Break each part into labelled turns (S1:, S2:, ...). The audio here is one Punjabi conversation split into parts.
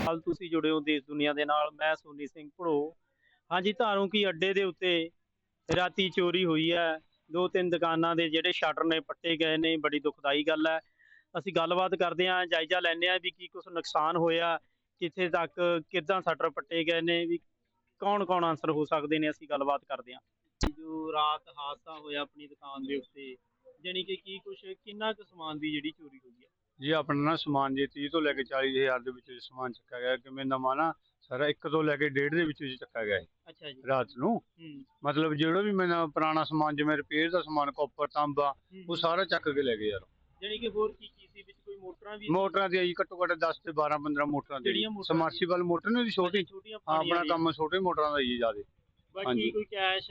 S1: ਨਾਲ ਤੁਸੀਂ ਜੁੜੇ ਹੋ ਦੇਸ਼ ਦੁਨੀਆ ਦੇ ਨਾਲ। ਮੈਂ ਸੋਨੀ ਸਿੰਘ ਭੜੋ। ਹਾਂਜੀ, ਧਾਰੂਕੀ ਅੱਡੇ ਦੇ ਉੱਤੇ ਰਾਤੀ ਚੋਰੀ ਹੋਈ ਹੈ। 2-3 ਦੁਕਾਨਾਂ ਦੇ ਜਿਹੜੇ ਸ਼ਟਰ ਨੇ ਪੱਟੇ ਗਏ ਨੇ। ਬੜੀ ਦੁਖਦਾਈ ਗੱਲ ਹੈ। ਅਸੀਂ ਗੱਲਬਾਤ ਕਰਦੇ ਹਾਂ, ਜਾਇਜ਼ਾ ਲੈਂਦੇ ਹਾਂ ਵੀ ਕੀ ਕੁਛ ਨੁਕਸਾਨ ਹੋਇਆ, ਕਿੱਥੇ ਤੱਕ ਕਿੱਦਾਂ ਸ਼ਟਰ ਪੱਟੇ ਗਏ ਨੇ, ਵੀ ਕੌਣ ਕੌਣ ਆਂਸਰ ਹੋ ਸਕਦੇ ਨੇ। ਅਸੀਂ ਗੱਲਬਾਤ ਕਰਦੇ ਹਾਂ। ਜੋ ਰਾਤ ਹਾਦਸਾ ਹੋਇਆ ਆਪਣੀ ਦੁਕਾਨ ਦੇ ਉੱਤੇ, ਜਾਣੀ ਕਿ ਕੀ ਕੁਛ ਕਿੰਨਾ ਕੁ ਸਮਾਨ ਦੀ ਜਿਹੜੀ ਚੋਰੀ ਹੋਈ ਹੈ?
S2: ਜੀ ਆਪਣਾ ਨਾ ਸਮਾਨ ਜੇ 30 ਤੋਂ ਲੈ ਕੇ 40,000 ਦੇ ਵਿੱਚ ਸਮਾਨ ਚੱਕਿਆ ਗਿਆ। ਕਿਵੇਂ ਨਵਾਂ ਨਾ ਸਾਰਾ 1 ਤੋਂ ਲੈ ਕੇ 1.5 ਦੇ ਵਿੱਚ ਚੱਕਿਆ ਗਿਆ
S1: ਅੱਛਾ ਜੀ।
S2: ਰਾਤ ਨੂੰ। ਮਤਲਬ ਜਿਹੜਾ ਵੀ ਮੇਰਾ ਪੁਰਾਣਾ ਸਮਾਨ ਜਿਵੇਂ ਰਿਪੇਅਰ ਦਾ ਸਮਾਨ, ਕਾਪਰ, ਤਾਂਬਾ, ਉਹ ਸਾਰਾ ਚੱਕ ਕੇ ਲੈ ਗਏ ਯਾਰ।
S1: ਜਾਣੀ ਕਿ ਹੋਰ ਕੀ ਸੀ ਵਿੱਚ? ਕੋਈ ਮੋਟਰਾਂ ਵੀ?
S2: ਮੋਟਰਾਂ ਦੀ ਆਈ ਘੱਟੋ ਘੱਟ 10 ਤੇ 12-15 ਮੋਟਰਾਂ ਦੀ। ਸਮਰਸੀਬਲ ਮੋਟਰ ਨੇ ਛੋਟੀ। ਹਾਂ, ਆਪਣਾ ਕੰਮ ਛੋਟੇ ਮੋਟਰਾਂ ਦਾ ਹੀ ਜ਼ਿਆਦਾ।
S1: ਬਾਕੀ ਕੋਈ ਕੈਸ਼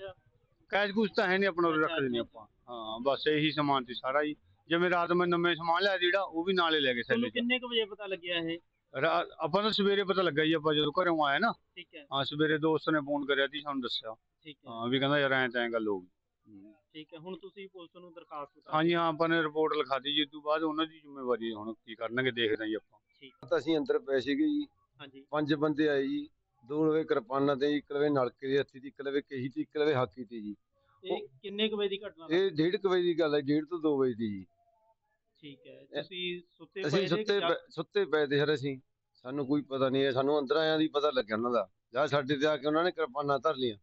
S2: ਕੁਛ ਤਾਂ ਹੈ ਨਹੀਂ ਆਪਣਾ, ਉਰੇ ਰੱਖ ਦਿੰਦੇ ਆਪਾਂ। ਹਾਂ, ਬਸ ਇਹੀ ਸਮਾਨ ਸੀ ਸਾਰਾ ਹੀ। ਜਿਵੇਂ ਰਾਤ ਮੈਂ ਨਵੇਂ ਸਮਾਨ ਲਿਆ ਜਿਹੜਾ, ਉਹ ਵੀ ਨਾਲੇ ਲੈ ਗਏ ਥੈਲੇ ਚ।
S1: ਕਿੰਨੇ ਕੁ ਵਜੇ ਪਤਾ ਲੱਗਿਆ ਇਹ?
S2: ਆਪਾਂ ਤਾਂ ਸਵੇਰੇ ਪਤਾ ਲੱਗਾ ਜੀ, ਆਪਾਂ ਜਦੋਂ ਘਰੋਂ ਆਏ ਨਾ।
S1: ਠੀਕ ਹੈ।
S2: ਹਾਂ, ਸਵੇਰੇ ਦੋਸਤ ਨੇ ਫੋਨ ਕਰਿਆ ਸੀ, ਸਾਨੂੰ ਦੱਸਿਆ।
S1: ਠੀਕ ਹੈ।
S2: ਹਾਂ, ਵੀ ਕਹਿੰਦਾ ਯਾਰ ਐਂ ਤਾਂ ਐਂ ਗੱਲ ਹੋ ਗਈ।
S1: ਠੀਕ ਹੈ। ਹੁਣ ਤੁਸੀਂ ਪੁਲਿਸ ਨੂੰ ਦਰਖਾਸਤ?
S2: ਹਾਂਜੀ ਹਾਂ, ਆਪਾਂ ਨੇ ਰਿਪੋਰਟ ਲਿਖਾਤੀ ਜੀ। ਇਸ ਤੋਂ ਬਾਅਦ ਉਹਨਾਂ ਦੀ ਜ਼ਿੰਮੇਵਾਰੀ ਹੁਣ ਕੀ ਕਰਨਗੇ, ਦੇਖਦੇ ਜੀ ਆਪਾਂ।
S3: ਤਾਂ ਅਸੀਂ ਅੰਦਰ ਪਏ ਸੀਗੇ ਜੀ।
S1: ਹਾਂਜੀ।
S3: 5 ਬੰਦੇ ਆਏ ਜੀ। 2 ਲਵੇ ਕਿਰਪਾਨਾਂ ਤੇ, 1 ਲਵੇ ਨਲਕੇ ਦੇ ਹੱਥੀ ਦੀ, 1 ਲਵੇ ਕਹੀ ਤੇ, 1 ਲਵੇ ਹਾਕੀ ਤੇ ਜੀ।
S1: ਇਹ ਕਿੰਨੇ ਕੁ ਵਜੇ ਦੀ ਘਟਨਾ?
S3: ਇਹ 1:30 ਵਜੇ ਦੀ ਗੱਲ ਹੈ, 1:30 ਤੋਂ 2 ਵਜੇ ਦੀ ਜੀ।
S1: ਠੀਕ ਹੈ। ਤੁਸੀਂ ਸੁੱਤੇ ਪਏ?
S3: ਅਸੀਂ ਸੁੱਤੇ ਪਏ ਤੇ ਸਰ ਅਸੀਂ, ਸਾਨੂੰ ਕੋਈ ਪਤਾ ਨਹੀਂ ਹੈ। ਸਾਨੂੰ ਅੰਦਰ ਆਇਆਂ ਦੀ ਪਤਾ ਲੱਗਿਆ ਉਹਨਾਂ ਦਾ। ਜਾਂ ਸਾਡੇ ਤੇ ਆ ਕੇ ਉਹਨਾਂ ਨੇ ਕਿਰਪਾਨਾਂ ਧਰ ਲੀਆਂ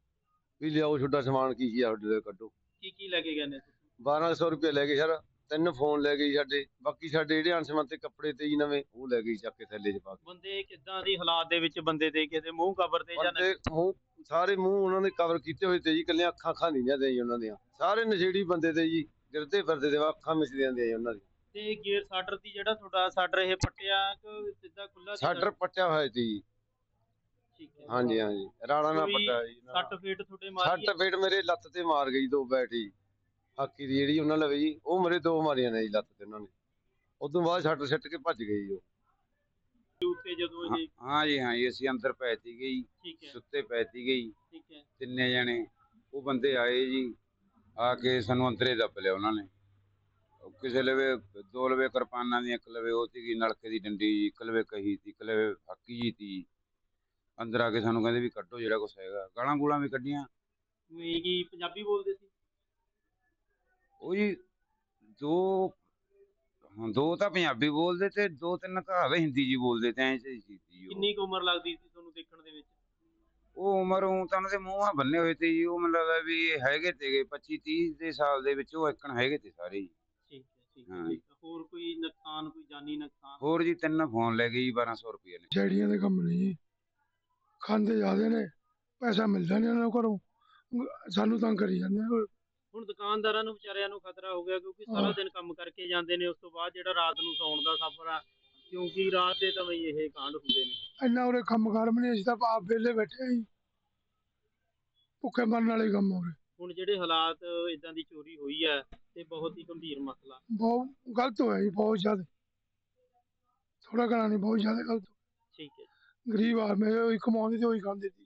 S3: ਵੀ ਲਿਆਓ ਤੁਹਾਡਾ ਸਮਾਨ ਕੀ ਆ ਤੁਹਾਡੇ, ਕੱਢੋ।
S1: ਕੀ ਲੈ ਕੇ ਗਏ ਨੇ?
S3: 1200 ਰੁਪਏ ਲੈ ਗਏ ਸਰ। 3 ਫੋਨ ਲੈ ਗਏ ਸਾਡੇ। ਬਾਕੀ ਸਾਡੇ ਜਿਹੜੇ ਅਣਸਮੰਤੇ ਕੱਪੜੇ ਤੇ ਜੀ ਨਵੇਂ, ਉਹ ਲੈ ਗਏ ਚੱਕ ਕੇ ਥੈਲੇ 'ਚ ਪਾ ਕੇ।
S1: ਬੰਦੇ ਕਿੱਦਾਂ ਦੀ ਹਾਲਾਤ ਦੇ ਵਿੱਚ? ਬੰਦੇ ਤੇ ਕਿਤੇ ਮੂੰਹ ਕਵਰ ਤੇ ਜਾਂ
S3: ਮੂੰਹ, ਸਾਰੇ ਮੂੰਹ ਉਹਨਾਂ ਨੇ ਕਵਰ ਕੀਤੇ ਹੋਏ ਤੇ ਜੀ। ਇਕੱਲੀਆਂ ਅੱਖਾਂ ਨਹੀਂ ਜਾਂਦੇ ਜੀ ਉਹਨਾਂ ਦੀਆਂ। ਸਾਰੇ ਨਸ਼ੇੜੀ ਬੰਦੇ ਤੇ ਜੀ, ਗਿਰਦੇ ਫਿਰਦੇ ਤੇ ਅੱਖਾਂ ਮਿਚਦੀਆਂ ਦੀਆਂ ਜੀ ਉਹਨਾਂ ਦੀ।
S1: ਤੇ ਗੇਅਰ ਸ਼ਟਰ ਦੀ ਜਿਹੜਾ ਤੁਹਾਡਾ ਸ਼ਟਰ ਇਹ ਪੱਟਿਆ ਕਿ ਸਿੱਧਾ ਖੁੱਲਾ?
S3: ਸ਼ਟਰ ਪੱਟਿਆ ਹੋਇਆ ਸੀ ਜੀ।
S1: ਠੀਕ ਹੈ।
S3: ਹਾਂਜੀ ਹਾਂਜੀ, ਰਾਣਾ ਨਾਲ ਪੱਟਿਆ ਜੀ।
S1: 60 ਫੀਟ ਤੁਹਾਡੇ ਮਾਰੀ?
S3: 60 ਫੀਟ ਮੇਰੇ ਲੱਤ ਤੇ ਮਾਰ ਗਈ 2 ਬੈਠੀ ਹਾਕੀ ਦੀ ਜਿਹੜੀ ਉਹਨਾਂ ਲਵੇ ਜੀ। ਉਹ ਮੇਰੇ 2 ਮਾਰੀਆਂ ਨੇ ਜੀ ਲੱਤ ਤੇ ਉਹਨਾਂ ਨੇ। ਉਦੋਂ ਬਾਅਦ ਸ਼ਟਰ ਸਿੱਟ ਕੇ ਭੱਜ ਗਏ ਜੀ ਉਹ।
S2: ਹਾਂ ਜੀ ਹਾਂ ਜੀ, ਅਸੀਂ ਅੰਦਰ ਪੈ ਸੀਗੇ ਜੀ, ਸੁੱਤੇ ਪੈ ਸੀਗੇ ਜੀ।
S1: ਠੀਕ ਹੈ।
S2: 3 ਜਣੇ। ਉਹ ਬੰਦੇ ਆਏ ਜੀ, ਆ ਕੇ ਸਾਨੂੰ ਅੰਦਰੇ ਦੱਬ ਲਿਆ ਉਹਨਾਂ ਨੇ। ਕਿਸੇ ਲਵੇ 2 ਲਵੇ ਕਿਰਪਾਨਾਂ ਦੀਆਂ, 1 ਲਵੇ ਉਹ ਸੀਗੀ ਨਲਕੇ ਦੀ ਡੰਡੀ ਜੀ, 1 ਲਵੇ ਕਹੀ ਸੀ, 1 ਲਵੇ ਹਾਕੀ ਜੀ ਤੀ। ਅੰਦਰ ਆ ਕੇ ਸਾਨੂੰ ਕਹਿੰਦੇ ਵੀ ਕੱਢੋ ਜਿਹੜਾ ਕੁਛ ਹੈਗਾ। ਗਾਲਾਂ ਗੂਲਾਂ ਵੀ ਕੱਢੀਆਂ।
S1: ਕੀ ਪੰਜਾਬੀ ਬੋਲਦੇ ਸੀ?
S2: ਉਹ ਜੀ 2 ਤਾਂ ਪੰਜਾਬੀ ਬੋਲਦੇ ਤੇ 2-3 ਘਰ ਹਿੰਦੀ ਜੀ ਬੋਲਦੇ ਤੇ ਐਂ ਸੀ।
S1: ਕਿੰਨੀ ਕੁ ਉਮਰ ਲੱਗਦੀ ਸੀ ਤੁਹਾਨੂੰ ਦੇਖਣ ਦੇ ਵਿੱਚ?
S2: ਉਹ ਉਮਰ ਤਾਂ ਉਹਨਾਂ ਦੇ ਮੂੰਹਾਂ ਬੰਨੇ ਹੋਏ ਤੇ ਜੀ। ਉਹ ਮੈਨੂੰ ਲੱਗਦਾ ਵੀ ਹੈਗੇ ਤੇ 25-30 ਦੇ ਸਾਲ ਦੇ ਵਿੱਚ ਉਹ ਇੱਕਣ ਹੈਗੇ ਤੇ ਸਾਰੇ ਜੀ।
S1: ਠੀਕ ਹੈ। ਠੀਕ ਹੈ। ਹੋਰ ਕੋਈ ਨੁਕਸਾਨ, ਕੋਈ ਜਾਨੀ ਨੁਕਸਾਨ?
S2: ਹੋਰ ਜੀ 3 ਫੋਨ ਲੈ ਗਏ ਜੀ, 1200 ਰੁਪਏ ਨੇ।
S4: ਜਿਹੜੀਆਂ ਦੇ ਕੰਮ ਨਹੀਂ ਜੀ, ਖਾਂਦੇ ਜ਼ਿਆਦੇ ਨੇ, ਪੈਸਾ ਮਿਲਦਾ ਨਹੀਂ ਉਹਨਾਂ ਨੂੰ ਘਰੋਂ, ਸਾਨੂੰ ਤੰਗ ਕਰੀ ਜਾਂਦੇ ਆ।
S1: ਹੁਣ ਦੁਕਾਨਦਾਰਾਂ ਨੂੰ ਵਿਚਾਰਿਆਂ ਨੂੰ ਖਤਰਾ ਹੋ ਗਿਆ, ਕਿਉਂਕਿ ਸਾਰਾ ਦਿਨ ਕੰਮ ਕਰਕੇ ਜਾਂਦੇ ਨੇ। ਉਸ ਤੋਂ ਬਾਅਦ ਜਿਹੜਾ ਰਾਤ ਨੂੰ ਸੌਣ ਦਾ ਸਫ਼ਰ ਆ, ਕਿਉਂਕਿ ਰਾਤ ਦੇ ਤਾਂ ਇਹ ਕਾਂਡ ਹੁੰਦੇ ਨੇ।
S4: ਇੰਨਾ ਉਰੇ ਕੰਮ ਕਾਰ ਵੀ ਨਹੀਂ, ਅਸੀਂ ਤਾਂ ਆਪ ਵਿਹਲੇ ਬੈਠੇ ਜੀ, ਭੁੱਖੇ ਮਰਨ ਵਾਲੇ ਕੰਮ ਹੋ ਰਹੇ।
S1: ਹੁਣ ਜਿਹੜੇ ਹਾਲਾਤ, ਇਦਾਂ ਦੀ ਚੋਰੀ ਹੋਈ ਹੈ ਤੇ ਬਹੁਤ ਹੀ ਗੰਭੀਰ ਮਸਲਾ,
S4: ਬਹੁਤ ਗਲਤ ਹੋਇਆ ਜੀ, ਬਹੁਤ ਜ਼ਿਆਦਾ। ਥੋੜਾ ਘਣਾ ਨਹੀਂ, ਬਹੁਤ ਜ਼ਿਆਦਾ ਗਲਤ।
S1: ਠੀਕ ਹੈ।
S4: ਗਰੀਬ ਆਦਮੀ ਉਹੀ ਕਮਾਉਂਦੇ ਤੇ ਉਹੀ ਖਾਂਦੇ ਸੀ।